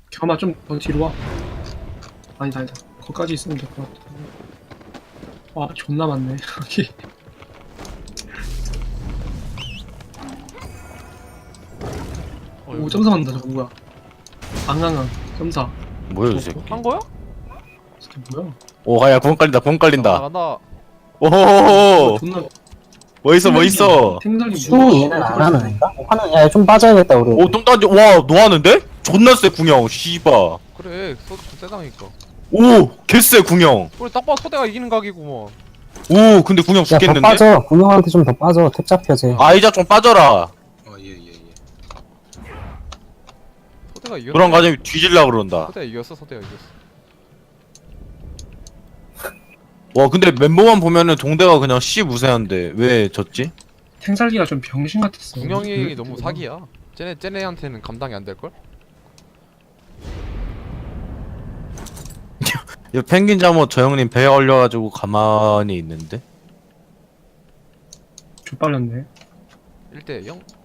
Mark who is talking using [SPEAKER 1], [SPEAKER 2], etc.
[SPEAKER 1] 겸아 좀 더 뒤로 와. 아니다 아니다. 거기까지 있으면 될 것 같아. 와 존나 많네. 여기. 오 점사 만다 저거 뭐야? 앙앙앙 점사.
[SPEAKER 2] 뭐야 이 새끼.
[SPEAKER 3] 한 거야?
[SPEAKER 1] 저게 뭐야?
[SPEAKER 2] 오 야 구멍 깔린다 구멍 깔린다.
[SPEAKER 3] 간다.
[SPEAKER 2] 오호호호.
[SPEAKER 1] 존나
[SPEAKER 2] 뭐 있어 뭐 있어.
[SPEAKER 1] 생선이
[SPEAKER 4] 수 얘는 안 하는 애인가? 하는 야 좀 빠져야겠다 우리.
[SPEAKER 2] 오똥 던지 와 노하는데? 존나 쎄 궁형 씨바.
[SPEAKER 3] 그래 소주 세상이니까.
[SPEAKER 2] 오 개쎄 궁형.
[SPEAKER 3] 우리 딱 봐도 소대가 이기는 각이구먼.
[SPEAKER 2] 오 근데 궁형
[SPEAKER 4] 야더
[SPEAKER 2] 죽겠는데?
[SPEAKER 4] 빠져. 군용한테 좀 더 빠져. 탭 잡혀 쟤.
[SPEAKER 2] 아이자 좀 빠져라.
[SPEAKER 5] 예예예.
[SPEAKER 3] 소대가 이겼어.
[SPEAKER 2] 그런 과정이 뒤질라 그런다.
[SPEAKER 3] 소대가 이겼어. 소대가 이겼어.
[SPEAKER 2] 와 근데 멤버만 보면은 동대가 그냥 씨 무세한데 왜 졌지?
[SPEAKER 1] 생살기가 좀 병신 같았어.
[SPEAKER 3] 궁영이 너무 사기야. 쟤네한테는 감당이 안 될 걸?
[SPEAKER 2] 이 펭귄 잠옷 저 형님 배에 올려가지고 가만히 있는데?
[SPEAKER 1] 족발렸네.
[SPEAKER 3] 1대 0.